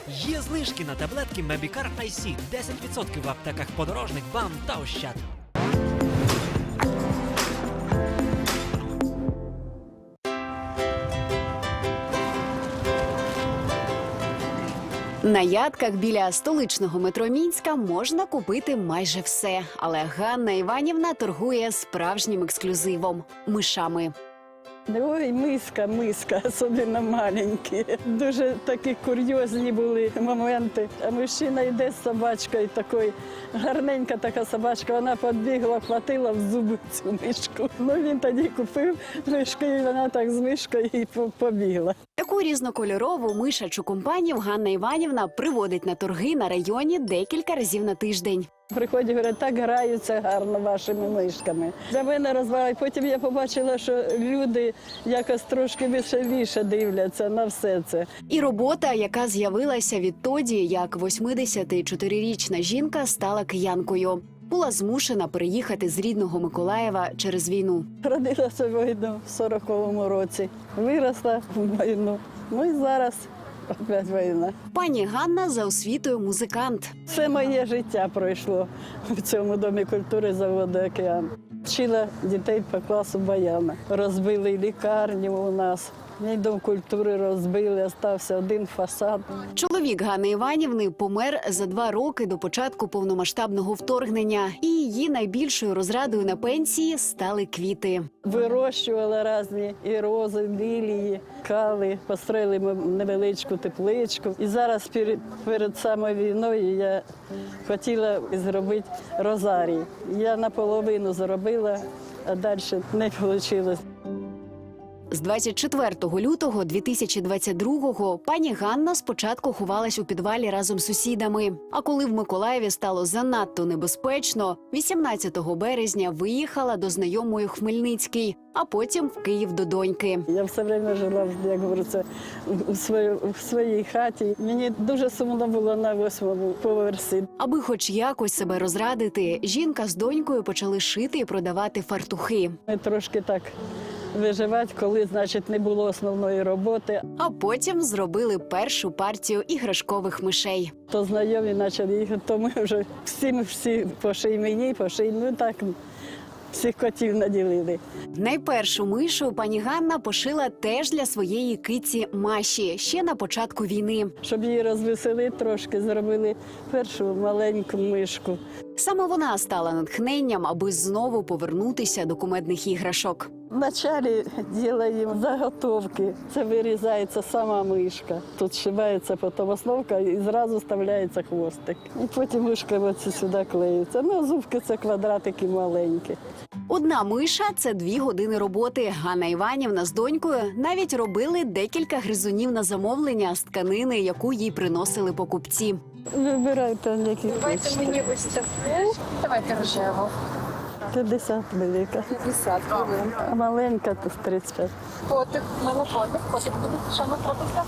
Є знижки на таблетки Mebicare IC. 10% в аптеках Подорожник, БАМ та Ощад. На ядках біля столичного метро Мінська можна купити майже все. Але Ганна Іванівна торгує справжнім ексклюзивом – мишами. Ой, миска, особливо маленькі. Дуже такі курйозні були моменти. А мужчина йде з собачкою, такою гарненька така собачка, вона підбігла, хватила в зуби цю мишку. Ну він тоді купив мишку, і вона так з мишкою і побігла. Таку різнокольорову мишачу компанію Ганна Іванівна приводить на торги на районі декілька разів на тиждень. Приходять, говорять, так граються гарно вашими мишками. За мене розвивають. Потім я побачила, що люди якось трошки веселіше дивляться на все це. І робота, яка з'явилася відтоді, як 84-річна жінка стала киянкою. Була змушена переїхати з рідного Миколаєва через війну. Родилася війну в 40-му році, виросла в війну. Ну і зараз опять війна. Пані Ганна за освітою музикант. Все моє життя пройшло в цьому домі культури заводу «Океан». Вчила дітей по класу баяна. Розбили лікарню у нас. Мій дом культури розбили, залишився один фасад. Чоловік Ганни Іванівни помер за 2 роки до початку повномасштабного вторгнення. І її найбільшою розрадою на пенсії стали квіти. Вирощувала різні і рози, лілії, кали. Построїли ми невеличку тепличку. І зараз перед самою війною я хотіла зробити розарій. Я наполовину зробила, а далі не вийшло. З 24 лютого 2022-го пані Ганна спочатку ховалась у підвалі разом з сусідами. А коли в Миколаєві стало занадто небезпечно, 18 березня виїхала до знайомої в Хмельницький, а потім в Київ до доньки. Я все время жила, як говориться, в своїй хаті. Мені дуже сумно було на 8-му поверсі. Аби хоч якось себе розрадити, жінка з донькою почали шити і продавати фартухи. Ми трошки так виживати, коли, значить, не було основної роботи. А потім зробили першу партію іграшкових мишей. То знайомі почали їхати, то ми вже всі поший мені, поший, ну так, всіх котів наділили. Найпершу мишу пані Ганна пошила теж для своєї киці Маші, ще на початку війни. Щоб її розвеселити трошки, зробили першу маленьку мишку. Саме вона стала натхненням, аби знову повернутися до кумедних іграшок. Вначалі робимо заготовки. Це вирізається сама мишка. Тут зшивається потім основка і зразу вставляється хвостик. І потім мишка оці сюди клеїться. Ну, зубки – це квадратики маленькі. Одна миша – це 2 години роботи. Ганна Іванівна з донькою навіть робили декілька гризунів на замовлення з тканини, яку їй приносили покупці. Вибирайте, які Давайте хочете. мені ось таку. Давайте рожеву. 50 велика. 50 хвилин. А маленька – то 35. Котик, в мене котик буде. Що ми котика?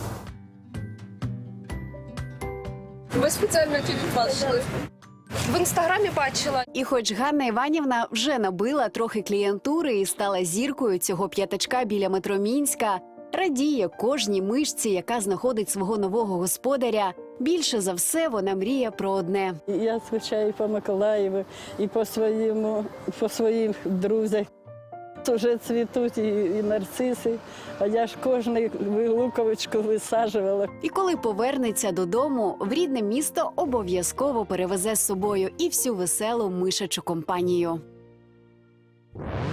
Ви спеціально тільки бачили? В інстаграмі бачила. І хоч Ганна Іванівна вже набила трохи клієнтури і стала зіркою цього п'ятачка біля метро Мінська, радіє кожній мишці, яка знаходить свого нового господаря. Більше за все вона мріє про одне. Я скучаю по Миколаєву і по своїм друзях. Вже цвітуть і нарциси, а я ж кожну луковичку висаджувала. І коли повернеться додому, в рідне місто обов'язково перевезе з собою і всю веселу мишачу компанію.